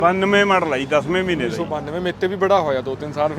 92 model ਆਈ 10ਵੇਂ ਮਹੀਨੇ ਦਾ 192 ਮੇਤੇ ਵੀ ਬੜਾ ਹੋਇਆ 2-3 ਸਾਲ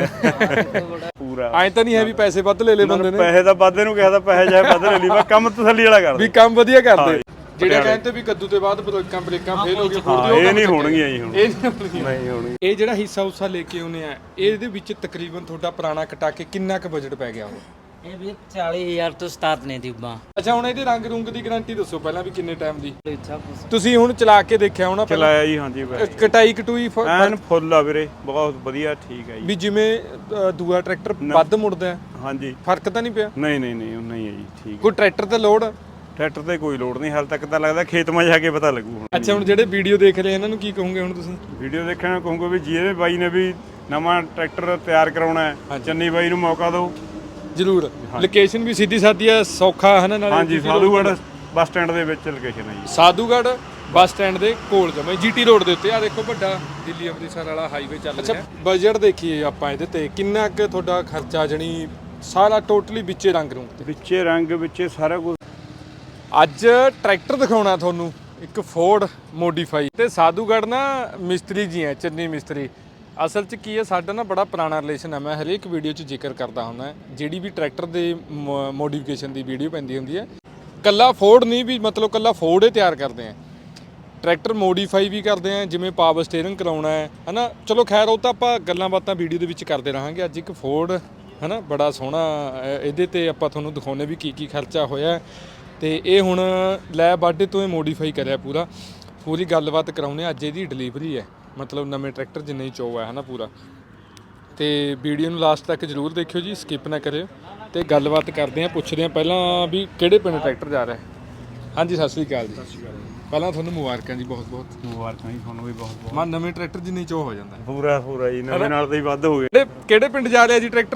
ਪੂਰਾ ਐਂ ਤਾਂ ਨਹੀਂ ਹੈ ਵੀ ਪੈਸੇ ਵੱਧ ਲੈ ਬੰਦੇ ਨੇ ਪੈਸੇ ਤਾਂ ਵਾਧੇ ਨੂੰ ਕਿਹਾ ਤਾਂ ਪੈਸੇ ਜਾਏ ਵੱਧ ਲੈ ਲਈ ਬਸ ਕੰਮ ਤਸੱਲੀ ਵਾਲਾ ਕਰ ਵੀ ਕੰਮ ਵਧੀਆ ਕਰਦੇ ਜਿਹੜੇ ਕਹਿੰਦੇ ਵੀ ਕੱਦੂ ਤੇ ਬਾਅਦ ਬ੍ਰੇਕਾਂ ਫੇਲ ਹੋ ਗਏ ਇਹ ਨਹੀਂ ਹੋਣਗੀਆਂ ਜੀ ਹੁਣ ਇਹ ਨਹੀਂ ਨਹੀਂ ਹੋਣੀ। ਇਹ ਜਿਹੜਾ ਹਿੱਸਾ ਉਸਾ ਲੈ ਕੇ ਆਉਨੇ ਆ ਇਹਦੇ ਵਿੱਚ ਤਕਰੀਬਨ ਤੁਹਾਡਾ ਪੁਰਾਣਾ ਕਟਾ ਕੇ ਕਿੰਨਾ ਕੁ ਬਜਟ ਪੈ ਗਿਆ ਉਹ ਇਹ ਵੀ 40000 ਤੋਂ ਸਟਾਰਟ ਨੇ ਟਿਊਬਾਂ। ਅੱਛਾ ਹੁਣ ਇਹਦੇ ਰੰਗ ਰੁੰਗ ਦੀ ਗਾਰੰਟੀ ਦੱਸੋ ਪਹਿਲਾਂ ਵੀ ਕਿੰਨੇ ਟਾਈਮ ਦੀ ਤੁਸੀਂ ਹੁਣ ਚਲਾ ਕੇ ਦੇਖਿਆ ਹੋਣਾ ਚਲਾਇਆ ਜੀ ਹਾਂਜੀ ਕਟਾਈ ਕਟੂਈ ਐਨ ਫੁੱਲ ਆ ਵੀਰੇ ਬਹੁਤ ਵਧੀਆ ਠੀਕ ਹੈ ਜੀ ਵੀ ਜਿਵੇਂ ਦੂਆ ਟਰੈਕਟਰ ਵੱਧ ਮੁੜਦਾ ਹੈ ਹਾਂਜੀ ਫਰਕ ਤਾਂ ਨਹੀਂ ਪਿਆ ਨਹੀਂ ਨਹੀਂ ਨਹੀਂ ਉਨਾ ਹੀ ਹੈ ਜੀ ਠੀਕ ਕੋਈ ਟਰੈਕਟਰ ਤੇ ਲੋਡ ਟਰੈਕਟਰ ਤੇ ਕੋਈ ਲੋੜ ਨਹੀਂ ਹਾਲ ਤੱਕ ਤਾਂ ਲੱਗਦਾ ਖੇਤ ਮਾ ਜਾ ਕੇ ਪਤਾ ਲੱਗੂ ਹੁਣ ਅੱਛਾ ਹੁਣ ਜਿਹੜੇ ਵੀਡੀਓ ਦੇਖ ਰਹੇ ਇਹਨਾਂ ਨੂੰ ਕੀ ਕਹੋਗੇ ਹੁਣ ਤੁਸੀਂ ਵੀਡੀਓ ਦੇਖਣ ਨੂੰ ਕਹੂੰਗਾ ਵੀ ਜਿਹਦੇ ਬਾਈ ਨੇ ਵੀ ਨਵਾਂ ਟਰੈਕਟਰ ਤਿਆਰ ਕਰਾਉਣਾ ਹੈ ਚੰਨੀ ਬਾਈ ਨੂੰ ਮੌਕਾ ਦਿਓ ਜ਼ਰੂਰ ਲੋਕੇਸ਼ਨ ਵੀ ਸਿੱਧੀ ਸਾਦੀ ਆ ਸੌਖਾ ਹੈ ਨਾ ਨਾਲੇ ਹਾਂਜੀ ਸਾਧੂਗੜ੍ਹ ਬੱਸ ਸਟੈਂਡ ਦੇ ਵਿੱਚ ਲੋਕੇਸ਼ਨ ਹੈ ਜੀ ਸਾਧੂਗੜ੍ਹ ਬੱਸ ਸਟੈਂਡ ਦੇ ਕੋਲ ਜਮੇ ਜੀਟੀ ਰੋਡ ਦੇ ਉੱਤੇ ਆ ਦੇਖੋ ਵੱਡਾ ਦਿੱਲੀ ਅੰਮ੍ਰਿਤਸਰ ਵਾਲਾ ਹਾਈਵੇ ਚੱਲ ਰਿਹਾ ਅੱਛਾ ਬਜਟ ਦੇਖੀਏ ਆਪਾਂ ਇਹਦੇ ਤੇ ਕਿੰਨਾ ਕੁ ਤੁਹਾਡਾ ਖਰਚਾ ਜਣੀ ਸਾਰਾ ਟੋਟਲੀ ਵਿੱਚੇ ਰੰਗ ਰੂੰਗ ਤੇ ਵਿੱਚੇ ਰੰਗ ਵਿੱਚੇ ਸਾਰਾ ਕੁਝ ਅੱਜ ਟਰੈਕਟਰ ਦਿਖਾਉਣਾ ਤੁਹਾਨੂੰ ਇੱਕ ਫੋਰਡ ਮੋਡੀਫਾਈ ਤੇ ਸਾਧੂਗੜ੍ਹ ਨਾ ਮਿਸਤਰੀ ਜੀ ਹੈ ਚੰਨੀ ਮਿਸਤਰੀ ਅਸਲ 'ਚ ਕੀ ਹੈ ਸਾਡਾ ਨਾ ਬੜਾ ਪੁਰਾਣਾ ਰਿਲੇਸ਼ਨ ਹੈ ਮੈਂ ਹਰੇਕ ਵੀਡੀਓ 'ਚ ਜ਼ਿਕਰ ਕਰਦਾ ਹੁੰਦਾ ਜਿਹੜੀ ਵੀ ਟਰੈਕਟਰ ਦੇ ਮੋਡੀਫਿਕੇਸ਼ਨ ਦੀ ਵੀਡੀਓ ਪੈਂਦੀ ਹੁੰਦੀ ਹੈ ਕੱਲਾ ਫੋਰਡ ਨਹੀਂ ਵੀ ਮਤਲਬ ਕੱਲਾ ਫੋਰਡ ਹੀ ਤਿਆਰ ਕਰਦੇ ਆ ਟਰੈਕਟਰ ਮੋਡੀਫਾਈ ਵੀ ਕਰਦੇ ਆ ਜਿਵੇਂ ਪਾਵਰ ਸਟੀਅਰਿੰਗ ਕਰਾਉਣਾ ਹੈ ਹਨਾ ਚਲੋ ਖੈਰ ਉਹ ਤਾਂ ਆਪਾਂ ਗੱਲਾਂ ਬਾਤਾਂ ਵੀਡੀਓ ਦੇ ਵਿੱਚ ਕਰਦੇ ਰਹਾਂਗੇ ਅੱਜ ਇੱਕ ਫੋਰਡ ਹਨਾ ਬੜਾ ਸੋਹਣਾ ਇਹਦੇ ਤੇ ਆਪਾਂ ਤੁਹਾਨੂੰ ਦਿਖਾਉਣੇ ਵੀ ਕੀ ਖਰਚਾ ਹੋਇਆ ਤੇ ਇਹ ਹੁਣ ਲੈ ਬਾਡੇ ਤੋਂ ਇਹ ਮੋਡੀਫਾਈ ਕਰਿਆ ਪੂਰੀ ਗੱਲਬਾਤ ਕਰਾਉਣੇ ਅੱਜ ਇਹਦੀ ਡਿਲੀਵਰੀ ਹੈ ਮਤਲਬ ਨਵੇਂ ਟਰੈਕਟਰ ਜਿੰਨੇ ਹੀ ਚੋ ਹੈ ਹਨਾ ਪੂਰਾ ਤੇ ਵੀਡੀਓ ਨੂੰ ਲਾਸਟ ਤੱਕ ਜ਼ਰੂਰ ਦੇਖਿਓ ਜੀ ਸਕਿਪ ਨਾ ਕਰਿਓ ਤੇ ਗੱਲਬਾਤ ਕਰਦੇ ਆ ਪੁੱਛਦੇ ਆ ਪਹਿਲਾਂ ਵੀ ਕਿਹੜੇ ਪਿੰਡ ਟਰੈਕਟਰ ਜਾ ਰਿਹਾ ਹਾਂਜੀ ਸਤਿ ਸ਼੍ਰੀ ਅਕਾਲ ਜੀ ਪਹਿਲਾਂ ਤੁਹਾਨੂੰ ਮੁਬਾਰਕਾਂ ਜੀ ਬਹੁਤ ਮੁਬਾਰਕਾਂ ਜੀ ਤੁਹਾਨੂੰ ਵੀ ਬਹੁਤ ਮਾ ਨਵੇਂ ਟਰੈਕਟਰ ਜਿੰਨੇ ਚੋ ਹੋ ਜਾਂਦਾ ਪੂਰਾ ਜੀ ਨਵੇਂ ਨਾਲ ਤਾਂ ਹੀ ਵੱਧ ਹੋ ਗਏ ਕਿਹੜੇ ਪਿੰਡ ਜਾ ਰਿਹਾ ਜੀ ਟਰੈਕਟਰ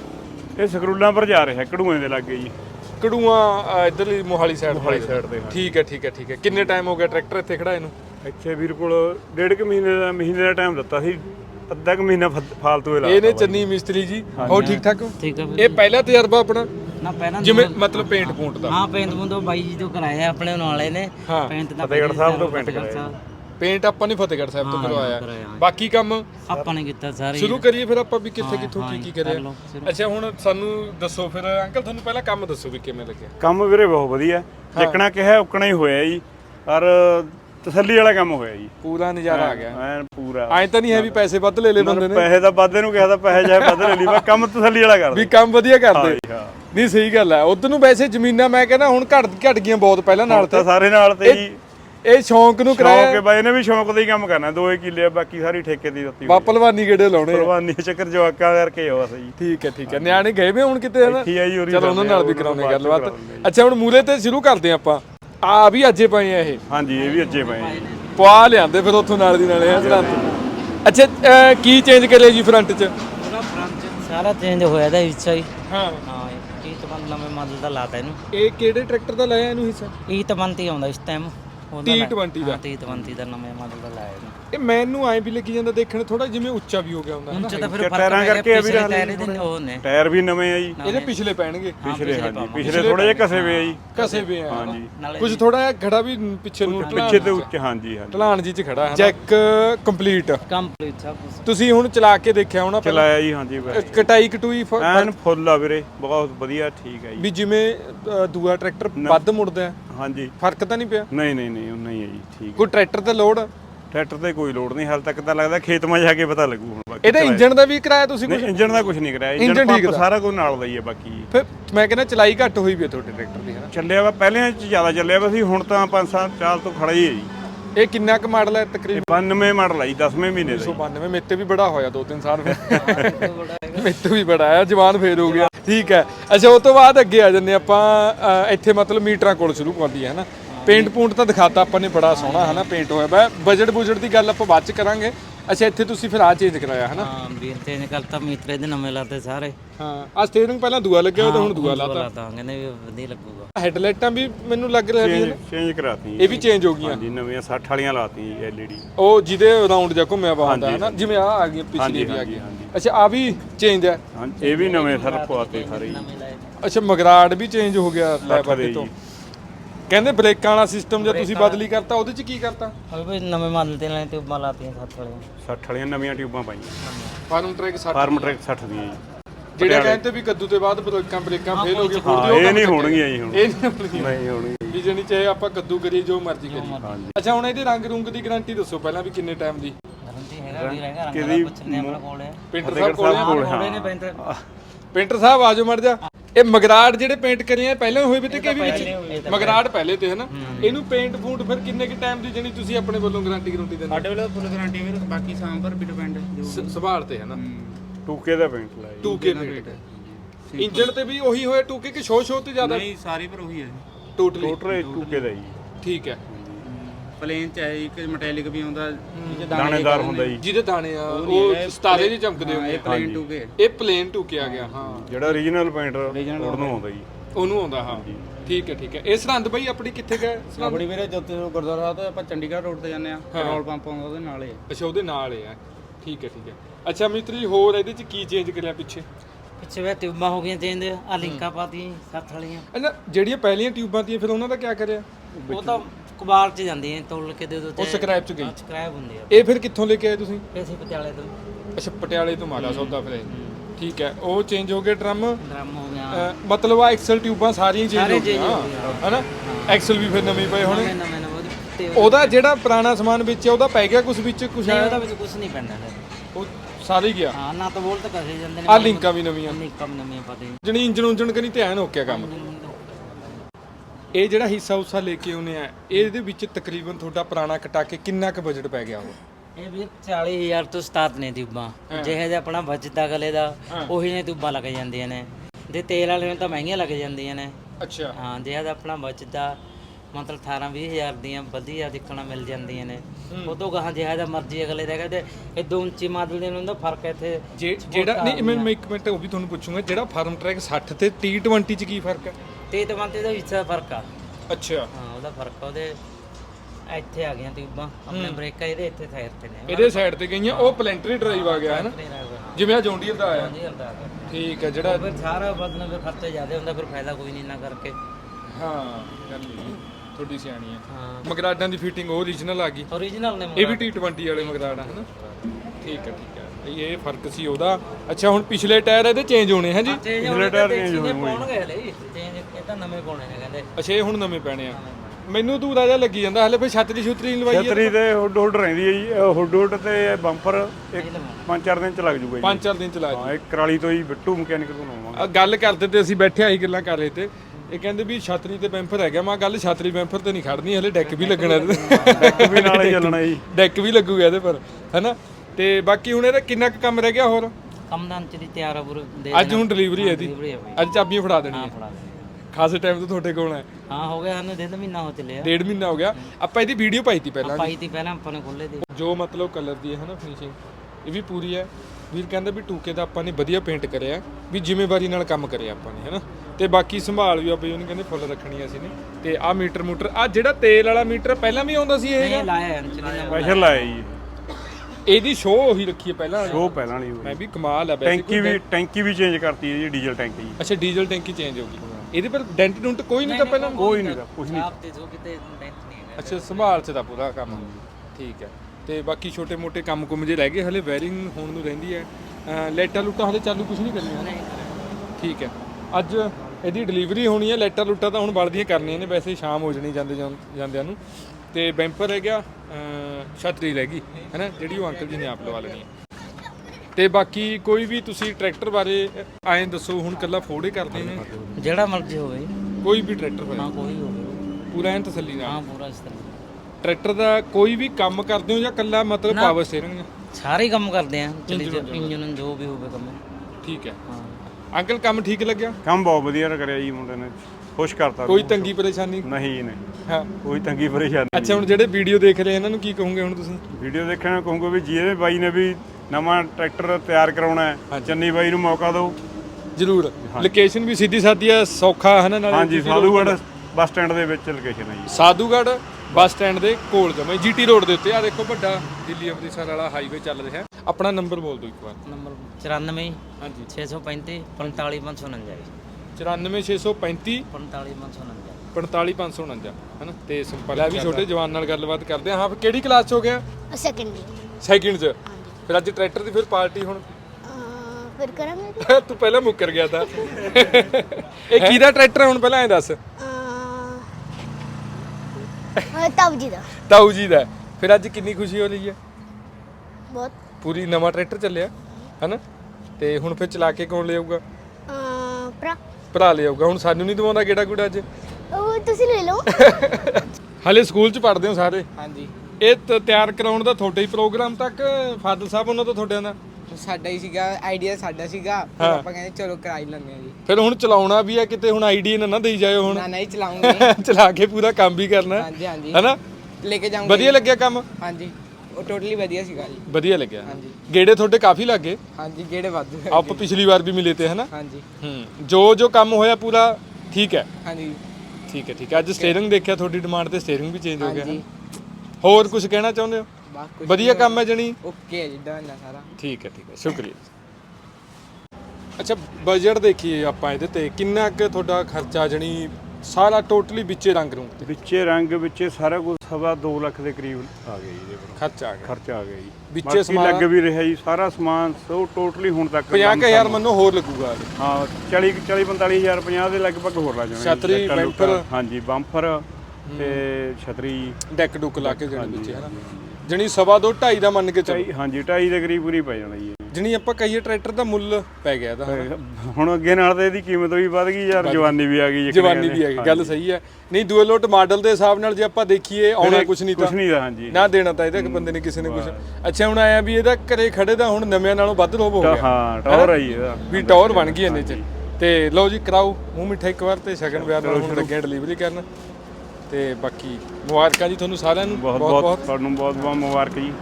ਇਹ ਸਕਰੂਲਾਂ ਪਰ ਜਾ ਰਿਹਾ ਕਢੂਏ ਦੇ ਲਾਗੇ ਜੀ ਕੜੂਆਂ ਇਧਰਲੀ ਮੋਹਾਲੀ ਸਾਈਡ ਤੇ ਠੀਕ ਹੈ ਕਿੰਨੇ ਟਾਈਮ ਹੋ ਗਿਆ ਟਰੈਕਟਰ ਇੱਥੇ ਖੜਾ ਇਹਨੂੰ ਇੱਥੇ ਵੀਰ ਕੋਲ ਡੇਢ ਕੁ ਮਹੀਨੇ ਦਾ ਟਾਈਮ ਦਿੱਤਾ ਸੀ ਅੱਧਾ ਕੁ ਮਹੀਨਾ ਫਾਲਤੂ ਹੀ ਲਾਇਆ ਇਹਨੇ ਚੰਨੀ ਮਿਸਤਰੀ ਜੀ ਹੋ ਠੀਕ ਠਾਕ ਹੋ ਠੀਕ ਹੈ ਇਹ ਪਹਿਲਾ ਤਜਰਬਾ ਆਪਣਾ ਨਾ ਪਹਿਲਾਂ ਜਿਵੇਂ ਮਤਲਬ ਪੇਂਟ ਪੂੰਟ ਦਾ ਹਾਂ ਪੇਂਟ ਤੋਂ ਬਾਈ ਜੀ ਤੋਂ ਕਰਾਇਆ ਆਪਣੇ ਨਾਲੇ ਨੇ ਪੇਂਟ ਦਾ ਫਤਿਹਗੜ੍ਹ ਸਾਹਿਬ ਤੋਂ ਪੇਂਟ ਕਰਾਇਆ ਪੇਂਟ ਆਪਾਂ ਨੇ ਫਤਿਹਗੜ੍ਹ ਸਾਹਿਬ ਤੋਂ ਕਰਵਾਇਆ ਬਾਕੀ ਕੰਮ ਆਪਾਂ ਨੇ ਕੀਤਾ ਸਾਰੇ ਸ਼ੁਰੂ ਕਰੀਏ ਫਿਰ ਆਪਾਂ ਵੀ ਕਿੱਥੋਂ ਕੀ ਕਰਿਆ ਅੱਛਾ ਹੁਣ ਸਾਨੂੰ ਦੱਸੋ ਫਿਰ ਅੰਕਲ ਤੁਹਾਨੂੰ ਪਹਿਲਾਂ ਕੰਮ ਦੱਸੋ ਵੀ ਕਿਵੇਂ ਲੱਗਿਆ ਕੰਮ ਵੀਰੇ ਬਹੁਤ ਵਧੀਆ ਜਿੱਕਣਾ ਕਿਹਾ ਉਕਣਾ ਹੀ ਹੋਇਆ ਜੀ ਪਰ ਤਸੱਲੀ ਵਾਲਾ ਕੰਮ ਹੋਇਆ ਜੀ ਪੂਰਾ ਨਜ਼ਾਰਾ ਆ ਗਿਆ ਐਨ ਪੂਰਾ ਐਂ ਤਾਂ ਨਹੀਂ ਹੈ ਵੀ ਪੈਸੇ ਵੱਧ ਲੈ ਬੰਦੇ ਨੇ ਪੈਸੇ ਤਾਂ ਵਾਧੇ ਨੂੰ ਕਿਹਾ ਤਾਂ ਪੈਸੇ ਜਾਏ ਵੱਧ ਲੈ ਲਈ ਬਸ ਕੰਮ ਤਸੱਲੀ ਵਾਲਾ ਕਰ ਵੀ ਕੰਮ ਵਧੀਆ ਕਰਦੇ ਨਹੀਂ ਸਹੀ ਗੱਲ ਹੈ ਉਧਰ ਨੂੰ ਵੈਸੇ ਜ਼ਮੀਨਾਂ ਮੈਂ ਕਹਿੰਦਾ ਹੁਣ ਘਟ ਗਈਆਂ ਬਹੁਤ ਪਹਿਲਾਂ ਨਾਲ ਤਾਂ ਸਾਰੇ ਨਾਲ ਤੇ ਜੀ ਇਹ ਸ਼ੌਂਕ ਨੂੰ ਕਰਾਇਆ ਸ਼ੌਂਕ ਬਾਈ ਨੇ ਵੀ ਸ਼ੌਂਕ ਦਾ ਹੀ ਕੰਮ ਕਰਨਾ 2 ਕਿੱਲੇ ਆ ਬਾਕੀ ਸਾਰੀ ਠੇਕੇ ਦੀ ਦਿੱਤੀ ਬਾ ਪਹਿਲਵਾਨੀ ਗੇੜੇ ਲਾਉਣੇ ਪਹਿਲਵਾਨੀ ਚੱਕਰ ਜਵਾਕਾਂ ਕਰਕੇ ਹੋ ਸਹੀ ਠੀਕ ਹੈ ਨਿਆਣੇ ਗਏ ਵੇ ਹੁਣ ਕਿਤੇ ਹਨਾ ਚਲੋ ਉਹਨਾਂ ਨਾਲ ਵੀ ਕਰਾਉਣੇ ਗੱਲਬਾਤ ਅੱਛਾ ਹੁਣ ਮੂਲੇ ਤੇ ਸ਼ੁਰੂ ਕਰਦੇ ਆਪਾਂ ਆ ਵੀ ਅੱਜੇ ਪਏ ਆ ਇਹ ਹਾਂਜੀ ਇਹ ਵੀ ਅੱਜੇ ਪਏ ਪਵਾ ਲਿਆਂਦੇ ਫਿਰ ਉੱਥੋਂ ਨਾਲ ਦੀ ਨਾਲੇ ਆ ਅੱਛਾ ਕੀ ਚੇਂਜ ਕਰਿਆ ਜੀ ਫਰੰਟ 'ਚ ਪੂਰਾ ਫਰੰਟ ਸਾਰਾ ਚੇਂਜ ਹੋਇਆ ਦਾ ਹਿੱਸਾ ਹੀ ਹਾਂ ਇਹ ਤਾਂ ਨਵੇਂ ਮਾਡਲ ਦਾ ਲਾਤਾ ਇਹਨੂੰ ਇਹ ਕਿਹੜੇ ਟਰੈਕਟਰ ਦਾ ਲਾਇਆ ਇਹਨੂੰ ਹਿੱਸਾ ਇਹ ਤਾਂ ਬੰਤੀ ਆਉਂਦਾ ਇਸ ਟਾਈਮ T20 ਦਾ T20 ਦਾ ਨਵੇਂ ਮਾਡਲ ਦਾ ਲਾਇਆ ਇਹਨੂੰ ਇਹ ਮੈਨੂੰ ਐਂ ਵੀ ਲੱਗੀ ਜਾਂਦਾ ਦੇਖਣ ਥੋੜਾ ਜਿਵੇਂ ਉੱਚਾ ਵੀ ਹੋ ਗਿਆ ਹੁੰਦਾ ਉੱਚਾ ਤਾਂ ਫਿਰ ਟਾਇਰਾਂ ਕਰਕੇ ਆ ਵੀ ਉਹ ਨੇ ਟਾਇਰ ਵੀ ਨਵੇਂ ਆ ਜੀ ਇਹਦੇ ਪਿਛਲੇ ਪੈਣਗੇ ਪਿਛਲੇ ਥੋੜੇ ਜਿਹਾ ਕਸੇ ਵੇ ਆ ਜੀ ਕਸੇ ਵੇ ਆ ਕੁਝ ਥੋੜਾ ਜਿਹਾ ਖੜਾ ਵੀ ਪਿੱਛੇ ਨੂੰ ਪਿੱਛੇ ਤੇ ਉੱਚ ਹਾਂਜੀ ਢਲਾਣ ਜੀ 'ਚ ਖੜਾ ਹੈ ਚੈੱਕ ਕੰਪਲੀਟ ਸਭ ਕੁਝ ਤੁਸੀਂ ਹੁਣ ਚਲਾ ਕੇ ਦੇਖਿਆ ਹੋਣਾ ਚਲਾਇਆ ਜੀ ਹਾਂਜੀ ਕਟਾਈ ਕਟੂਈ ਐਨ ਫੁੱਲ ਆ ਵੀਰੇ ਬਹੁਤ ਵਧੀਆ ਠੀਕ ਹੈ ਜੀ ਵੀ ਜਿਵੇਂ ਦੂਆ ਟਰੈਕਟਰ ਵੱਧ ਮੁੜਦਾ ਹਾਂਜੀ ਫਰਕ ਤਾਂ ਨਹੀਂ ਪਿਆ ਨਹੀਂ ਉਨਾ ਹੀ ਹੈ ਜੀ ਠੀਕ ਕੋਈ ਟਰੈਕਟਰ ਤੇ ਲੋਡ ਟਰੈਕਟਰ ਤੇ ਕੋਈ ਲੋੜ ਨਹੀਂ ਹਾਲ ਤੱਕ ਤਾਂ ਲੱਗਦਾ ਖੇਤ ਮਾ ਜਾ ਕੇ ਪਤਾ ਲੱਗੂ ਹੁਣ ਬਾਕੀ ਇਹਦੇ ਇੰਜਨ ਦਾ ਵੀ ਕਰਾਇਆ ਤੁਸੀਂ ਕੁਝ ਇੰਜਨ ਦਾ ਕੁਝ ਨਹੀਂ ਕਰਾਇਆ ਇੰਜਨ ਪੰਪ ਸਾਰਾ ਕੁਝ ਨਾਲ ਦਾ ਹੀ ਹੈ ਬਾਕੀ ਫਿਰ ਮੈਂ ਕਹਿੰਦਾ ਚਲਾਈ ਘੱਟ ਹੋਈ ਵੀ ਹੈ ਤੁਹਾਡੇ ਟਰੈਕਟਰ ਦੀ ਹਨਾ ਚੱਲਿਆ ਵਾ ਪਹਿਲੇ ਚ ਜ਼ਿਆਦਾ ਚੱਲਿਆ ਵਾ ਸੀ ਹੁਣ ਤਾਂ 5-7 ਸਾਲ ਤੋਂ ਖੜਾ ਹੀ ਹੈ ਜੀ ਇਹ ਕਿੰਨਾ ਕੁ ਮਾਡਲ ਹੈ ਤਕਰੀਬਨ 92 ਮਾਡਲ ਆਈ 10ਵੇਂ ਮਹੀਨੇ ਦਾ 192 ਮੇਤੇ ਵੀ ਬੜਾ ਹੋਇਆ 2-3 ਸਾਲ ਮੇਤੇ ਵੀ ਬੜਾ ਆ ਜਵਾਨ ਫੇਰ ਹੋ ਗਿਆ ਠੀਕ ਹੈ ਅੱਛਾ ਉਸ ਤੋਂ ਬਾਅਦ ਅੱਗੇ ਆ ਜੰਨੇ ਆਪਾਂ ਇੱਥੇ ਮਤਲਬ ਮੀਟਰਾਂ ਕੋਲ ਸ਼ੁਰੂ ਕਰਦੀ ਹੈ ਹਨਾ ਪੇਂਟ ਪੂੰਟ ਤਾਂ ਦਿਖਾਤਾ ਆਪਾਂ ਨੇ ਬੜਾ ਸੋਹਣਾ ਹਨਾ ਪੇਂਟ ਹੋਇਆ ਵਾ ਬਜਟ ਦੀ ਗੱਲ ਆਪਾਂ ਬਾਅਦ ਚ ਕਰਾਂਗੇ ਅੱਛਾ ਇੱਥੇ ਤੁਸੀਂ ਫਿਰ ਆ ਚੇਂਜ ਕਰਾਇਆ ਹਨਾ ਹਾਂ ਵੀਰ ਚੇਂਜ ਕਰਤਾ ਮੀਟਰ ਇਹਦੇ ਨਵੇਂ ਲਾਤੇ ਸਾਰੇ ਹਾਂ ਆ ਸਟੀਅਰਿੰਗ ਪਹਿਲਾਂ ਦੂਆ ਲੱਗਿਆ ਉਹ ਤਾਂ ਹੁਣ ਦੂਆ ਲਾਤਾ ਕਹਿੰਦੇ ਵੀ ਵਧੀਆ ਲੱਗੂਗਾ ਹੈਡਲਾਈਟਾਂ ਵੀ ਮੈਨੂੰ ਲੱਗ ਰਿਹਾ ਵੀ ਚੇਂਜ ਕਰਾਤੀ ਇਹ ਵੀ ਚੇਂਜ ਹੋ ਗਈਆਂ ਹਾਂਜੀ ਨਵੀਆਂ 60 ਵਾਲੀਆਂ ਲਾਤੀ LED ਉਹ ਜਿਹਦੇ ਰਾਉਂਡ ਜਿਹਾ ਘੁੰਮਿਆ ਵਾ ਹੁੰਦਾ ਹਨਾ ਜਿਵੇਂ ਆ ਗਈਆਂ ਪਿਛਲੀ ਵੀ ਆ ਗਈ ਅੱਛਾ ਆ ਵੀ ਚੇਂਜ ਹੈ ਇਹ ਵੀ ਨਵੇਂ ਸਰ ਪਵਾਤੇ ਸਾਰੇ ਅੱਛਾ ਮਗਰਾੜ ਵੀ ਚੇਂਜ ਹੋ ਗਿਆ ਲੈ ਬਾਕੀ ਤੋਂ ਕਹਿੰਦੇ ਬ੍ਰੇਕਾਂ ਵਾਲਾ ਸਿਸਟਮ ਜੇ ਤੁਸੀਂ ਬਦਲੀ ਕਰਤਾ ਉਹਦੇ 'ਚ ਕੀ ਕਰਤਾ? ਵੀ ਨਵੇਂ ਮਾਡਲ ਤੇ ਲੈਣੇ ਟਿਊਬਾਂ ਲਾਤੀਆਂ 7 ਵਾਲੀਆਂ 60 ਵਾਲੀਆਂ ਨਵੀਆਂ ਟਿਊਬਾਂ ਪਾਈਆਂ। ਫਾਰਮ ਟਰੈਕ 60 ਫਾਰਮ ਟਰੈਕ 60 ਦੀਆਂ ਜੀ। ਜਿਹੜੇ ਕਹਿੰਦੇ ਵੀ ਕੱਦੂ ਤੋਂ ਬਾਅਦ ਬ੍ਰੇਕਾਂ ਫੇਲ ਹੋ ਗਏ ਹਾਂ ਇਹ ਨਹੀਂ ਹੋਣਗੀਆਂ ਜੀ ਹੁਣ। ਇਹ ਨਹੀਂ ਹੋਣਗੀਆਂ ਨਹੀਂ ਹੋਣਗੀਆਂ ਵੀ ਜਣੀ ਚਾਹੇ ਆਪਾਂ ਕੱਦੂ ਕਰੀਏ ਜੋ ਮਰਜ਼ੀ ਕਰੀਏ। ਅੱਛਾ ਹੁਣ ਇਹਦੇ ਰੰਗ ਰੁੰਗ ਦੀ ਗਾਰੰਟੀ ਦੱਸੋ ਪਹਿਲਾਂ ਵੀ ਕਿੰਨੇ ਟਾਈਮ ਦੀ? ਗਾਰੰਟੀ ਹੈਗਾ ਵੀ ਰਹੇਗਾ ਰੰਗ ਦਾ ਪੁੱਛਣੇ ਆਪਣੇ ਕੋਲ ਹੈ। ਪੇਂਟਰ ਸਾਹਿਬ ਕੋਲ ਕੋਲੇ ਨੇ ਪੈਂਟਰ ਪੇਂਟਰ ਸਾਹਿਬ ਆਜੋ ਮੜ ਜਾ। ਇਹ ਮਗਰਾੜ ਜਿਹੜੇ ਪੇਂਟ ਕਰੀਏ ਪਹਿਲਾਂ ਹੋਏ ਵੀ ਤੇ ਕਿ ਵੀ ਵਿੱਚ ਮਗਰਾੜ ਪਹਿਲੇ ਤੇ ਹਨਾ ਇਹਨੂੰ ਪੇਂਟ ਫੂਟ ਫਿਰ ਕਿੰਨੇ ਕਿ ਟਾਈਮ ਦੀ ਜਣੀ ਤੁਸੀਂ ਆਪਣੇ ਵੱਲੋਂ ਗਾਰੰਟੀ ਦਿੰਦੇ? ਸਾਡੇ ਵੱਲੋਂ ਫੁੱਲ ਗਾਰੰਟੀ ਵੀਰ, ਬਾਕੀ ਸਾਮ ਪਰ ਵੀ ਡਿਪੈਂਡ ਸੰਭਾਲ ਤੇ ਹਨਾ। 2K ਦਾ ਪੇਂਟ ਲਾਇਆ 2K ਪੇਂਟ ਇੰਜਨ ਤੇ ਵੀ ਉਹੀ ਹੋਇਆ 2K ਕਿ ਸ਼ੋ ਤੇ ਜ਼ਿਆਦਾ? ਨਹੀਂ ਸਾਰੀ ਪਰ ਉਹੀ ਹੈ ਟੋਟਲੀ ਟੋਟਲ 2K ਦਾ ਜੀ। ਠੀਕ ਹੈ। ਪਲੇਨ ਚ ਹੈ ਇੱਕ ਮੈਟੈਲਿਕ ਵੀ ਆਉਂਦਾ ਦਾਣੇਦਾਰ ਹੁੰਦਾ ਜੀ। ਜਿਹਦੇ ਦਾਣੇ ਆ ਉਹ ਸਤਾਰੇ ਜਿਹੇ ਚਮਕਦੇ ਇਹ ਹੁੰਦੇ। ਪਲੇਨ 2K ਇਹ ਪਲੇਨ 2K ਆ ਗਿਆ। ਹਾਂ ਜਿਹੜਾ origignal ਪੇਂਟ ਉਹਨੂੰ ਆਉਂਦਾ ਜੀ। ਉਹਨੂੰ ਆਉਂਦਾ ਹਾਂ। ਠੀਕ ਹੈ ਠੀਕ ਹੈ। ਇਹ ਸਰਹੰਦ ਬਈ ਆਪਣੀ ਕਿੱਥੇ ਗਏ? ਆਪਣੀ ਵੀਰੇ ਜੋਤੀ ਗੁਰਦੁਆਰਾ ਸਾਹਿਬ ਤੋਂ ਆਪਾਂ ਚੰਡੀਗੜ੍ਹ ਰੋਡ ਤੇ ਜਾਂਦੇ ਆ, ਪੈਟਰੋਲ ਪੰਪ ਆਉਂਦਾ ਉਹਦੇ ਨਾਲ ਹੀ। ਅੱਛਾ ਉਹਦੇ ਨਾਲ ਹੀ ਆ। ਠੀਕ ਹੈ ਠੀਕ ਹੈ। ਅੱਛਾ ਮਿੱਤਰੀ ਹੋਰ ਇਹਦੇ ਚ ਕੀ ਚੇਂਜ ਕਰਿਆ ਪਿੱਛੇ? ਪਿੱਛੇ ਵੇ ਟਿਊਬਾਂ ਹੋ ਗਈਆਂ ਚੇਂਜ, ਆ ਲਿੰਕਾਂ ਪਾਤੀਆਂ 7 ਵਾਲੀਆਂ। ਅੱਛਾ ਜਿਹੜੀਆਂ ਪਹਿਲੀਆਂ ਟਿਊਬਾਂ ਤੀਆਂ ਫਿਰ ਉਹਨਾਂ ਦਾ ਕੀ ਕਰਿਆ? ਉਹ ਤਾਂ ਕਬਾੜ ਚ ਜਾਂਦੀਆਂ ਤੋਲ ਕੇ ਦੇ ਦੋ ਉਹ ਸਕ੍ਰੈਪ ਚ ਗਈ। ਸਕ੍ਰੈਪ ਹੁੰਦੀ ਆ। ਇਹ ਫਿਰ ਕਿੱਥੋਂ ਲੈ ਕੇ ਆਏ ਤੁਸੀਂ? ਪੈਸੇ ਪਟਿਆਲੇ ਤੋਂ। ਅੱਛਾ ਪਟਿਆਲੇ ਤੋਂ ਮਾਰਾ ਸੌਦਾ ਫਿਰ ਇਹ। ਠੀਕ ਹੈ ਉਹ ਚੇਂਜ ਹੋ ਗਏ ਡਰਮ ਡਰਮ ਹੋ ਗਿਆ, ਮਤਲਬ ਆ ਐਕਸਲ ਟਿਊਬਾਂ ਸਾਰੀਆਂ ਚੇਂਜ ਹੋ ਗਈਆਂ ਹਨਾ। ਐਕਸਲ ਵੀ ਫਿਰ ਨਵੇਂ ਪਏ ਹੋਣੇ। ਨਵੇਂ ਨਵੇਂ ਉਹਦਾ ਜਿਹੜਾ ਪੁਰਾਣਾ ਸਮਾਨ ਵਿੱਚ ਉਹਦਾ ਪੈ ਗਿਆ ਕੁਝ ਵਿੱਚ ਕੁਝ ਨਹੀਂ, ਉਹਦਾ ਵਿੱਚ ਕੁਝ ਨਹੀਂ ਪੈਂਦਾ ਉਹ ਸਾਰੇ ਗਿਆ। ਹਾਂ ਨਾ ਤਾਂ ਬੋਲ ਤਾਂ ਕਸੇ ਜਾਂਦੇ ਨੇ। ਆ ਲਿੰਕਾਂ ਵੀ ਨਵੀਆਂ ਲਿੰਕਾਂ ਵੀ ਨਵੀਆਂ ਪਾਤੇ ਜਣੀ ਇੰਜਨ ਉਂਜਣ ਕਰੀ ਧਿਆਨ ਹੋ ਗਿਆ ਕੰਮ। ਇਹ ਜਿਹੜਾ ਹਿੱਸਾ ਉਸਾ ਲੈ ਕੇ ਆਉਨੇ ਆ ਇਹਦੇ ਵਿੱਚ ਤਕਰੀਬਨ ਤੁਹਾਡਾ ਪੁਰਾਣਾ ਕਟਾ ਕੇ ਕਿੰਨਾ ਕੁ ਬਜਟ ਪੈ ਗਿਆ ਉਹ? ਇਹ ਵੀ 40000 ਤੋਂ ਸਟਾਰਟ ਨੇ ਟਿਊਬਾਂ। ਜਿਹੇ ਜਿਹਾ ਆਪਣਾ ਬਚਦਾ ਗਲੇ ਦਾ ਉਹੀ ਨੇ ਟਿਊਬਾਂ ਲੱਗ ਜਾਂਦੀਆਂ ਨੇ। ਜੇ ਤੇਲ ਵਾਲੇ ਨੂੰ ਤਾਂ ਮਹਿੰਗੀਆਂ ਲੱਗ ਜਾਂਦੀਆਂ ਨੇ। ਅੱਛਾ ਹਾਂ ਜਿਹੜਾ ਦਾ ਆਪਣਾ ਬਚਦਾ ਮਤਲਬ 18-20 ਦੀਆਂ ਵਧੀਆ ਦਿਖਣਾ ਮਿਲ ਜਾਂਦੀਆਂ ਨੇ। ਉਦੋਂ ਗਾਹਾਂ ਜਿਹੜਾ ਦਾ ਮਰਜ਼ੀ ਅਗਲੇ ਦਾ ਕਹਿੰਦੇ ਇਹ ਦੋ ਉੱਚੀ ਮਾਡਲ ਦੇ ਨੂੰ ਫਰਕ ਇੱਥੇ ਜਿਹੜਾ ਨਹੀਂ ਮੈਂ ਇੱਕ ਮਿੰਟ ਉਹ ਵੀ ਤੁਹਾਨੂੰ ਪੁੱਛੂੰਗਾ ਜਿਹੜਾ ਫਾਰਮ ਟਰੈਕ 60 ਤੇ T20 ਚ ਕੀ ਫਰਕ ਹੈ? ਤੇ ਤਵੰਤੇ ਦਾ ਹਿੱਸਾ ਫਰਕ ਆ। ਅੱਛਾ ਹਾਂ ਉਹਦਾ ਫਰਕ ਆ। ਉਹਦੇ ਇੱਥੇ ਆ ਗਈਆਂ ਟਿਊਬਾਂ, ਆਪਣੇ ਬ੍ਰੇਕਾਂ ਇਹਦੇ ਇੱਥੇ ਸਾਈਡ ਤੇ ਨੇ। ਇਹਦੇ ਸਾਈਡ ਤੇ ਗਈਆਂ ਉਹ ਪਲੈਂਟਰੀ ਡਰਾਈਵ ਆ ਗਿਆ ਹੈ ਨਾ ਜਿਵੇਂ ਆ ਜੌਂਡੀਅਰ ਦਾ ਆਇਆ। ਠੀਕ ਹੈ ਜਿਹੜਾ ਫਿਰ ਸਾਰਾ ਬਦਨ ਫਿਰ ਖਰਚਾ ਜ਼ਿਆਦਾ ਹੁੰਦਾ, ਫਿਰ ਫਾਇਦਾ ਕੋਈ ਨਹੀਂ ਨਾ ਕਰਕੇ। ਹਾਂ ਗੱਲ ਤੁਹਾਡੀ ਸਿਆਣੀ ਹੈ। ਹਾਂ ਮਗਰਾਡਾਂ ਦੀ ਫਿਟਿੰਗ ਉਹ origignal ਆ ਗਈ। ਓਰੀਜਨਲ ਨੇ ਇਹ ਵੀ T20 ਵਾਲੇ ਮਗਰਾੜ ਆ ਹਨਾ। ਠੀਕ ਹੈ ਠੀਕ ਹੈ। ਇਹ ਫਰਕ ਸੀ ਉਹਦਾ। ਅੱਛਾ ਹੁਣ ਪਿਛਲੇ ਟਾਇਰ ਇਹਦੇ ਚੇਂਜ ਹੋਣੇ ਹੈ ਜੀ? ਪਿਛਲੇ ਟਾਇਰ ਚੇਂਜ ਪਾਉਣਗੇ ਹਲੇ ਚੇਂਜ, ਇਹ ਤਾਂ ਨਵੇਂ ਪਾਉਣੇ ਨੇ ਕਹਿੰਦੇ। ਅੱਛਾ ਇਹ ਹੁਣ ਨਵੇਂ ਪੈਣੇ ਆ। ਮੈਨੂੰ ਤੂੰ ਰਾਜਾ ਲੱਗੀ ਜਾਂਦਾ ਹਲੇ ਫਿਰ ਛਤਰੀ ਛੁਤਰੀ ਲਵਾਈ ਹੈ? ਛਤਰੀ ਤੇ ਹੁੱਡ ਰਹਿੰਦੀ ਹੈ ਜੀ। ਹੁੱਡ ਤੇ ਬੰਪਰ 5-4 ਦਿਨ ਚ ਲੱਗ ਜੂਗਾ ਜੀ। 5-4 ਦਿਨ ਚਲਾ ਹਾਂ ਇਹ ਕਰਾਲੀ ਤੋਂ ਹੀ ਬਿੱਟੂ ਮਕੈਨਿਕ ਤੋਂ ਆਵਾਂਗੇ। ਗੱਲ ਕਰਦੇ ਤੇ ਅਸੀਂ ਬੈਠੇ ਆਹੀ ਗੱਲਾਂ ਕਰ ਰਹੇ ਤੇ ਇਹ ਕਹਿੰਦੇ ਵੀ ਛਤਰੀ ਤੇ ਬੈਂਫਰ ਹੈਗਾ। ਮੈਂ ਗੱਲ ਛਤਰੀ ਬੈਂਫਰ ਤੇ ਨਹੀਂ ਖੜਨੀ ਹਲੇ ਡੈਕ ਵੀ ਲੱਗਣਾ ਇਹਦੇ ਡੈਕ ਵੀ ਨਾਲ ਹੀ ਚੱਲਣਾ ਜੀ। ਡੈਕ ਵੀ ਲੱਗੂਗਾ ਇਹਦੇ ਪਰ ਹੈਨਾ। ਤੇ ਬਾਕੀ ਹੁਣ ਇਹਦਾ ਕਿੰਨਾ ਕੁ ਕੰਮ ਰਹਿ ਗਿਆ ਹੋਰ? ਕੰਮ ਦਾ ਅੰਚ ਦੀ ਤਿਆਰ ਆ ਪੂਰੇ ਦੇ। ਅੱਜ ਹੁਣ ਡਿਲੀਵਰੀ ਹੈ ਇਹਦੀ। ਅੱਜ ਚਾਬੀਆਂ ਫੜਾ ਦੇਣੀ ਹੈ। ਖਾਸੇ ਟਾਈਮ ਤੋਂ ਤੁਹਾਡੇ ਕੋਲ ਹੈ। ਹਾਂ ਹੋ ਗਿਆ ਸਾਨੂੰ 1.5 ਮਹੀਨਾ ਹੋ ਚੱਲਿਆ। 1.5 ਮਹੀਨਾ ਹੋ ਗਿਆ। ਆਪਾਂ ਇਹਦੀ ਵੀਡੀਓ ਪਾਈ ਤੀ ਪਹਿਲਾਂ। ਪਾਈ ਤੀ ਪਹਿਲਾਂ ਆਪਾਂ ਨੇ ਖੋਲੇ ਦੀ। ਜੋ ਮਤਲਬ ਕਲਰ ਦੀ ਹੈ ਹਨਾ ਫਿਨਿਸ਼ਿੰਗ ਇਹ ਵੀ ਪੂਰੀ ਹੈ। ਵੀਰ ਕਹਿੰਦਾ ਵੀ 2K ਦਾ ਆਪਾਂ ਨੇ ਵਧੀਆ ਪੇਂਟ ਕਰਿਆ ਵੀ ਜ਼ਿੰਮੇਵਾਰੀ ਨਾਲ ਕੰਮ ਕਰਿਆ ਆਪਾਂ ਨੇ ਹਨਾ। ਤੇ ਬਾਕੀ ਸੰਭਾਲ ਵੀ ਆਪਾਂ ਉਹਨੂੰ ਕਹਿੰਦੇ ਫੁੱਲ ਰੱਖਣੀ ਅਸੀਂ ਨੇ। ਤੇ ਆ ਮੀਟਰ ਆ ਜਿਹੜਾ ਤੇਲ ਵਾਲਾ ਮੀਟਰ ਪਹਿਲਾਂ ਵੀ ਆਉਂਦਾ ਸੀ ਇਹ? ਲਾਇਆ ਅੰਚ ਦੀ ਸਪੈਸ਼ਲ ਲਾਇਆ ਜੀ। ਇਹਦੀ ਸ਼ੋਅ ਉਹੀ ਰੱਖੀ ਹੈ ਪਹਿਲਾਂ ਸ਼ੋਅ ਪਹਿਲਾਂ ਵਾਲੀ ਮੈਂ ਵੀ ਕਮਾਲ ਹੈ ਵੈਸੇ। ਟੈਂਕੀ ਵੀ ਚੇਂਜ ਕਰਤੀ ਹੈ ਜੀ, ਡੀਜ਼ਲ ਟੈਂਕੀ ਜੀ। ਅੱਛਾ ਡੀਜ਼ਲ ਟੈਂਕੀ ਚੇਂਜ ਹੋ ਗਈ। ਇਹਦੇ ਪਰ ਡੈਂਟ ਡੁੰਟ ਕੋਈ ਨਹੀਂ ਤਾਂ ਪਹਿਲਾਂ? ਕੋਈ ਨਹੀਂ ਕੁਝ ਨਹੀਂ। ਆਪ ਤੇ ਜੋ ਕਿਤੇ ਡੈਂਟ ਨਹੀਂ ਹੈਗਾ। ਅੱਛਾ ਸੰਭਾਲ ਚ ਦਾ ਪੂਰਾ ਕੰਮ। ਠੀਕ ਹੈ। ਤੇ ਬਾਕੀ ਛੋਟੇ ਮੋਟੇ ਕੰਮ ਕੁਮ ਜੇ ਰਹਿ ਗਏ ਹਲੇ ਵੈਰਿੰਗ ਹੋਣ ਨੂੰ ਰਹਿੰਦੀ ਹੈ। ਲਾਈਟਾਂ ਲੂਟਾਂ ਹਲੇ ਚਾਲੂ ਕੁਝ ਨਹੀਂ ਕਰੀਆਂ। ਠੀਕ ਹੈ। ਅੱਜ ਇਹਦੀ ਡਿਲੀਵਰੀ ਹੋਣੀ ਹੈ। ਲਾਈਟਾਂ ਲੂਟਾਂ ਤਾਂ ਹੁਣ ਬਲਦੀਆਂ ਕਰਨੀਆਂ ਨੇ ਵੈਸੇ ਸ਼ਾਮ ਹੋ ਜਣੀ ਜਾਂਦਿਆਂ ਨੂੰ। ਤੇ ਬੈਂਪਰ ਰਹਿ ਗਿਆ, ਛਤਰੀ ਰਹਿ ਗਈ ਹੈ ਨਾ ਜਿਹੜੀ ਉਹ ਅੰਕਲ ਜੀ ਨੇ ਆਪ ਲਵਾ ਲੈਣੀ ਹੈ। ਤੇ ਬਾਕੀ ਕੋਈ ਵੀ ਤੁਸੀਂ ਟਰੈਕਟਰ ਬਾਰੇ ਐਂ ਦੱਸੋ ਹੁਣ ਕੱਲਾ ਫੋੜ ਹੀ ਕਰਦੇ ਨੇ? ਜਿਹੜਾ ਮਰਜ਼ੀ ਹੋਵੇ ਕੋਈ ਵੀ ਟਰੈਕਟਰ ਹੋਵੇ। ਹਾਂ ਕੋਈ ਹੋਵੇ ਪੂਰਾ ਐਨ ਤਸੱਲੀ ਨਾਲ। ਹਾਂ ਪੂਰਾ ਇਸ ਤਰ੍ਹਾਂ ਟਰੈਕਟਰ ਦਾ ਕੋਈ ਵੀ ਕੰਮ ਕਰਦੇ ਹੋ ਜਾਂ ਕੱਲਾ ਮਤਲਬ ਪਾਵਰ ਸਟੀਅਰਿੰਗ? ਸਾਰੇ ਕੰਮ ਕਰਦੇ ਆ ਇੰਜਨ ਜੋ ਵੀ ਹੋਵੇ ਕੰਮ। ਠੀਕ ਹੈ। ਹਾਂ ਅੰਕਲ ਕੰਮ ਠੀਕ ਲੱਗਿਆ? ਕੰਮ ਬਹੁਤ ਵਧੀਆ ਕਰਿਆ ਜੀ ਮੁੰਡੇ ਨੇ, ਖੁਸ਼ ਕਰਤਾ। ਕੋਈ ਤੰਗੀ ਪਰੇਸ਼ਾਨੀ? ਨਹੀਂ ਨਹੀਂ ਹਾਂ ਕੋਈ ਤੰਗੀ ਪਰੇਸ਼ਾਨੀ। ਅੱਛਾ ਹੁਣ ਜਿਹੜੇ ਵੀਡੀਓ ਦੇਖ ਰਹੇ ਇਹਨਾਂ ਨੂੰ ਕੀ ਕਹੋਗੇ ਹੁਣ ਤੁਸੀਂ? ਵੀਡੀਓ ਦੇਖਣ ਨੂੰ ਕਹੂੰਗਾ ਵੀ ਜਿਹਦੇ ਬਾਈ ਨੇ ਵੀ ਨਵਾਂ ਟਰੈਕਟਰ ਤਿਆਰ ਕਰਾਉਣਾ ਹੈ ਚੰਨੀ ਬਾਈ ਨੂੰ ਮੌਕਾ ਦਿਓ ਜ਼ਰੂਰ। ਲੋਕੇਸ਼ਨ ਵੀ ਸਿੱਧੀ ਸਾਦੀ ਆ, ਸੌਖਾ ਹੈ ਨਾ ਨਾਲੇ? ਹਾਂਜੀ ਸਾਧੂਗੜ੍ਹ ਬੱਸ ਸਟੈਂਡ ਦੇ ਵਿੱਚ ਲੋਕੇਸ਼ਨ ਹੈ ਜੀ। ਸਾਧੂਗੜ੍ਹ ਬੱਸ ਸਟੈਂਡ ਦੇ ਕੋਲ ਜਮੇ GT ਰੋਡ ਦੇ ਉੱਤੇ। ਆ ਦੇਖੋ ਵੱਡਾ ਦਿੱਲੀ ਅੰਮ੍ਰਿਤਸਰ ਵਾਲਾ ਹਾਈਵੇ ਚੱਲ ਰਿਹਾ। ਆਪਣਾ ਨੰਬਰ ਬੋਲ ਦਿਓ ਇੱਕ ਵਾਰ। ਨੰਬਰ 94 ਹਾਂਜੀ 635 45549 94635 45549 45549 ਹਨਾ ਤੇ ਸੰਪਰਕ ਵੀ ਛੋਟੇ ਜਵਾਨ ਨਾਲ ਗੱਲਬਾਤ ਕਰਦੇ ਹਾਂ। ਹਾਂ ਫਿਰ ਕਿਹੜੀ ਕਲਾਸ 'ਚ ਹੋ ਗਿਆ? ਸੈਕੰਡਰੀ। ਸੈਕਿੰਡ 'ਚ। ਫਿਰ ਅੱਜ ਟਰੈਕਟਰ ਦੀ ਫਿਰ ਪਾਰਟੀ ਹੁਣ ਫਿਰ ਕਰਾਂਗੇ। ਤੂੰ ਪਹਿਲਾਂ ਮੁੱਕਰ ਗਿਆ ਤਾਂ। ਇਹ ਕਿਹਦਾ ਟਰੈਕਟਰ ਹੈ ਹੁਣ ਪਹਿਲਾਂ ਐਂ ਦੱਸ। ਤਾਊ ਜੀ ਦਾ। ਤਾਊ ਜੀ ਦਾ। ਫਿਰ ਅੱਜ ਕਿੰਨੀ ਖੁਸ਼ੀ ਹੋ ਰਹੀ ਹੈ? ਬਹੁਤ। ਪੂਰੀ ਨਵਾਂ ਟਰੈਕਟਰ ਚੱਲਿਆ ਹਨਾ ਤੇ ਹੁਣ ਫਿਰ ਚਲਾ ਕੇ ਕੌਣ ਲਿਆਊਗਾ? ਭਰਾ। ਭਰਾ ਲਿਆਊਗਾ। ਹੁਣ ਸਾਨੂੰ ਨਹੀਂ ਦਵਾਉਂਦਾ ਗੇੜਾ ਗੁੜਾ ਅੱਜ? ਉਹ ਤੁਸੀਂ ਲੈ ਲਓ। ਹਾਲੇ ਸਕੂਲ 'ਚ ਪੜ੍ਹਦੇ ਹੋ ਸਾਰੇ? ਹਾਂਜੀ। ਇਹ ਤਿਆਰ ਕਰਾਉਣ ਦਾ ਤੁਹਾਡਾ ਹੀ ਪ੍ਰੋਗਰਾਮ ਤੱਕ ਫਾਦਰ ਸਾਹਿਬ ਉਹਨਾਂ ਤੋਂ ਤੁਹਾਡਿਆਂ ਦਾ? ਸਾਡਾ ਹੀ ਸੀਗਾ ਆਈਡੀਆ, ਸਾਡਾ ਸੀਗਾ ਫਿਰ ਆਪਾਂ ਕਹਿੰਦੇ ਚਲੋ ਕਰਾ ਹੀ ਲੈਂਦੇ ਆ ਜੀ। ਫਿਰ ਹੁਣ ਚਲਾਉਣਾ ਵੀ ਆ ਕਿਤੇ, ਹੁਣ ਆਈਡੀਆ ਨਾ ਦੇਈ ਜਾਇਓ ਹੁਣ। ਨਾ ਨਹੀਂ ਚਲਾਉਂਗੇ। ਚਲਾ ਕੇ ਪੂਰਾ ਕੰਮ ਵੀ ਕਰਨਾ ਹਾਂਜੀ ਹਾਂਜੀ ਹੈਨਾ? ਲੈ ਕੇ ਜਾਊਂਗੇ। ਵਧੀਆ ਲੱਗਿਆ ਕੰਮ? ਹਾਂਜੀ ਉਹ ਟੋਟਲੀ ਵਧੀਆ ਸੀਗਾ ਜੀ। ਵਧੀਆ ਲੱਗਿਆ। ਹਾਂਜੀ। ਗੇੜੇ ਤੁਹਾਡੇ ਕਾਫੀ ਲੱਗੇ। ਹਾਂਜੀ ਗੇੜੇ ਵਾਧੂ ਹੈ। ਆਪ ਪਿਛਲੀ ਵਾਰ ਵੀ ਮਿਲੇ ਤੇ ਹੈਨਾ? ਹਾਂਜੀ ਜੋ ਕੰਮ ਹੋਇਆ ਪੂਰਾ ਠੀਕ ਹੈ। ਹਾਂਜੀ ਠੀਕ ਹੈ ਠੀਕ ਹੈ। ਅੱਜ ਸਟੀਅਰਿੰਗ ਦੇਖਿਆ ਤੁਹਾਡੀ ਡਿਮਾਂਡ ਤੇ ਸਟੀਅਰਿੰਗ ਵੀ ਚੇਂਜ ਹੋ ਗਿਆ। ਹਾਂਜੀ ਹੋਰ ਕੁਝ ਕਹਿਣਾ ਚਾਹੁੰਦੇ ਹੋ? ਬਸ ਕੁਛ ਵਧੀਆ ਕੰਮ ਹੈ ਜਣੀ? ਓਕੇ ਹੈ ਜਿੱਦਾਂ ਨਾ ਸਾਰਾ। ਠੀਕ ਹੈ ਸ਼ੁਕਰੀਆ। ਅੱਛਾ ਬਜਟ ਦੇਖੀਏ ਆਪਾਂ ਇਹਦੇ ਤੇ ਕਿੰਨਾ ਕੁ ਤੁਹਾਡਾ ਖਰਚਾ ਜਣੀ ਸਾਰਾ ਟੋਟਲੀ ਵਿੱਚੇ ਰੰਗ ਰੂੰਗ ਤੇ ਵਿੱਚੇ ਰੰਗ ਵਿੱਚੇ ਸਾਰਾ ਕੁਝ 2.5 ਲੱਖ ਦੇ ਕਰੀਬ ਆ ਗਿਆ ਜੀ ਇਹਦੇ ਪਰ ਖਰਚਾ ਆ ਗਿਆ। ਖਰਚਾ ਆ ਗਿਆ ਜੀ। ਵਿੱਚੇ ਬਾਕੀ ਸਮਾਨ ਲੱਗ ਵੀ ਰਿਹਾ ਜੀ ਸਾਰਾ ਸਮਾਨ ਸੋ ਟੋਟਲੀ ਹੁਣ ਤੱਕ 50,000 ਮੰਨੋ ਹੋਰ ਲੱਗੂਗਾ। ਹਾਂ 40-45,000 50 ਦੇ ਲਗਭਗ ਹੋਰ ਲੱਗ ਜਾਣੇ। ਛਤਰੀ, ਡੈਕਾਂ ਡੁੱਕਾਂ, ਬੈਂਪਰ। ਹਾਂਜੀ ਬੰਫਰ ਤੇ ਛਤਰੀ ਡੈਕ ਡੁੱਕ ਲਾ ਕੇ ਜਣੀ ਵਿੱਚੇ ਹੈਨਾ ਜਣੀ 2.5 2.5 ਦਾ ਮੰਨ ਕੇ ਚੱਲੋ। ਹਾਂਜੀ 2.5 ਦੇ ਕਰੀਬ ਪੂਰੀ ਪੈ ਜਾਣਾ ਜੀ। ਜਣੀ ਆਪਾਂ ਕਹੀਏ ਟਰੈਕਟਰ ਦਾ ਮੁੱਲ ਪੈ ਗਿਆ ਇਹਦਾ ਹਨਾ? ਹੁਣ ਅੱਗੇ ਨਾਲ ਤਾਂ ਇਹਦੀ ਕੀਮਤ ਵੀ ਵਧ ਗਈ ਯਾਰ, ਜਵਾਨੀ ਵੀ ਆ ਗਈ। ਜਵਾਨੀ ਵੀ ਆ ਗਈ, ਗੱਲ ਸਹੀ ਹੈ। ਨਹੀਂ ਦੂਏ ਲੋਟ ਮਾਡਲ ਦੇ ਹਿਸਾਬ ਨਾਲ ਜੇ ਆਪਾਂ ਦੇਖੀਏ ਆਉਣਾ ਕੁਝ ਨਹੀਂ ਤਾਂ ਹਾਂਜੀ ਨਾ ਦੇਣਾ ਤਾਂ ਇਹਦਾ ਬੰਦੇ ਨੇ ਕਿਸੇ ਨੇ ਕੁਝ। ਅੱਛਾ ਹੁਣ ਆਇਆ ਵੀ ਇਹਦਾ ਘਰੇ ਖੜੇ ਦਾ ਹੁਣ ਨਵਿਆਂ ਨਾਲੋਂ ਵੱਧ ਲੋਭ ਹੋ ਗਿਆ। ਹਾਂ ਟੌਰ ਆਈ ਇਹਦਾ ਵੀ ਟੌਰ ਬਣ ਗਈ ਇਹਨੇ ਚ। ਤੇ ਲਓ ਜੀ ਕਰਾਓ ਮੂੰਹ ਮਿੱਠਾ ਇੱਕ ਵਾਰ ਤੇ ਸ਼ਗਨ ਵਿਆਹ ਨਾਲ ਹੁਣ ਲੱਗੇ ਡਿਲੀਵਰੀ ਕਰਨ। ਤੇ ਬਾਕੀ ਮੁਬਾਰਕਾਂ ਜੀ ਤੁਹਾਨੂੰ ਸਾਰਿਆਂ ਨੂੰ ਬਹੁਤ ਬਹੁਤ ਤੁਹਾਨੂੰ ਬਹੁਤ ਬਹੁਤ ਮੁਬਾਰਕ ਜੀ।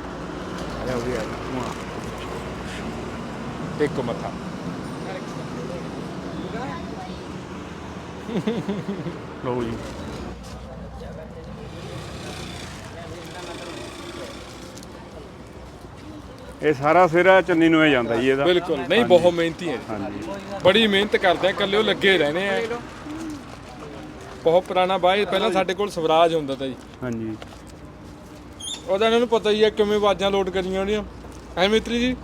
ਟੇਕੋ ਮੱਥਾ। ਲਓ ਜੀ ਇਹ ਸਾਰਾ ਸਿਰਾ ਚੰਨੀ ਨੂੰ ਹੀ ਜਾਂਦਾ ਜੀ ਇਹਦਾ। ਬਿਲਕੁਲ ਨਹੀਂ ਬਹੁਤ ਮਿਹਨਤੀ ਹੈ ਹਾਂਜੀ ਬੜੀ ਮਿਹਨਤ ਕਰਦੇ ਆ ਇਕੱਲੇ ਉਹ ਲੱਗੇ ਰਹਿੰਦੇ ਆ। ਬਹੁਤ ਪੁਰਾਣਾ ਬਾਈ ਪਹਿਲਾਂ ਸਾਡੇ ਕੋਲ ਸਵਰਾਜ ਹੁੰਦਾ ਤਾ ਜੀ। ਹਾਂਜੀ ਉਹਦਾ ਇਹਨਾਂ ਨੂੰ ਪਤਾ ਹੀ ਹੈ ਕਿਵੇਂ ਆਵਾਜ਼ਾਂ ਲੋਡ ਕਰੀਆਂ ਉਹਦੀਆਂ। ਐ ਮਿੱਤਰੀ ਜੀ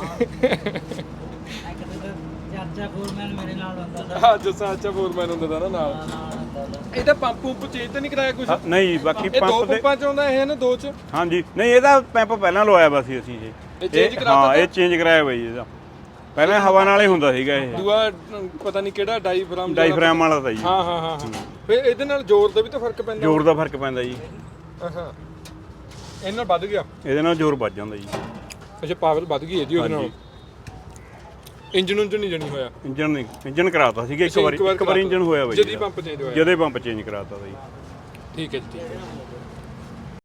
ਚਾਚਾ ਫੋਰਮੈਨ ਮੇਰੇ ਨਾਲ ਹੁੰਦਾ ਸੀ। ਹਾਂ ਜੱਸਾ ਅੱਛਾ ਫੋਰਮੈਨ ਹੁੰਦਾ ਤਾ ਨਾ ਨਾਲ। ਇਹਦਾ ਪੰਪ ਪੰਪ ਚੇਂਜ ਤਾਂ ਨਹੀਂ ਕਰਾਇਆ ਕੁਝ? ਨਹੀਂ ਬਾਕੀ ਇਹ ਦੋ ਪੰਪ ਦੇ ਪੰਪਾਂ ਚ ਆਉਂਦਾ ਇਹ ਨਾ ਦੋ ਚ? ਹਾਂਜੀ ਨਹੀਂ ਇਹਦਾ ਪੰਪ ਪਹਿਲਾਂ ਲਵਾਇਆ ਵਾ ਸੀ ਅਸੀਂ ਇਹ change ਕਰਾਤਾ ਹਾਂ ਇਹ ਚੇਂਜ ਕਰਾਇਆ ਬਾਈ ਇਹਦਾ। ਪਹਿਲਾਂ ਹਵਾ ਨਾਲ ਹੀ ਹੁੰਦਾ ਸੀਗਾ ਇਹ। ਦੂਆ ਪਤਾ ਨਹੀਂ ਕਿਹੜਾ ਡਾਈਫਰਾਮ ਵਾਲਾ ਤਾਂ ਜੀ। ਹਾਂ ਹਾਂ ਹਾਂ ਫਿਰ ਇਹਦੇ ਨਾਲ ਜ਼ੋਰ ਦਾ ਵੀ ਤਾਂ ਫਰਕ ਪੈਂਦਾ? ਜ਼ੋਰ ਦਾ ਫਰਕ ਪੈਂਦਾ ਜੀ। ਹਾਂ ਇਹਨਾਂ ਨਾਲ ਵੱਧ ਗਿਆ? ਇਹਦੇ ਨਾਲ ਜ਼ੋਰ ਵੱਜ ਜਾਂਦਾ ਜੀ। ਅੱਛਾ ਪਾਵਰ ਵੱਧ ਗਈ ਇਹਦੀ ਉਹਦੇ ਨਾਲ। ਇੰਜਨ ਉਂਜਨ ਨਹੀਂ ਜਣੀ ਹੋਇਆ? ਇੰਜਨ ਕਰਾਤਾ ਸੀਗਾ ਇੱਕ ਵਾਰੀ ਇੰਜਨ ਹੋਇਆ ਬਾਈ ਜਦੀ ਪੰਪ ਚੇਂਜ ਹੋਇਆ? ਜਦੇ ਪੰਪ ਚੇਂਜ ਕਰਾਤਾ ਬਾਈ। ਠੀਕ ਹੈ ਜੀ ਠੀਕ ਹੈ।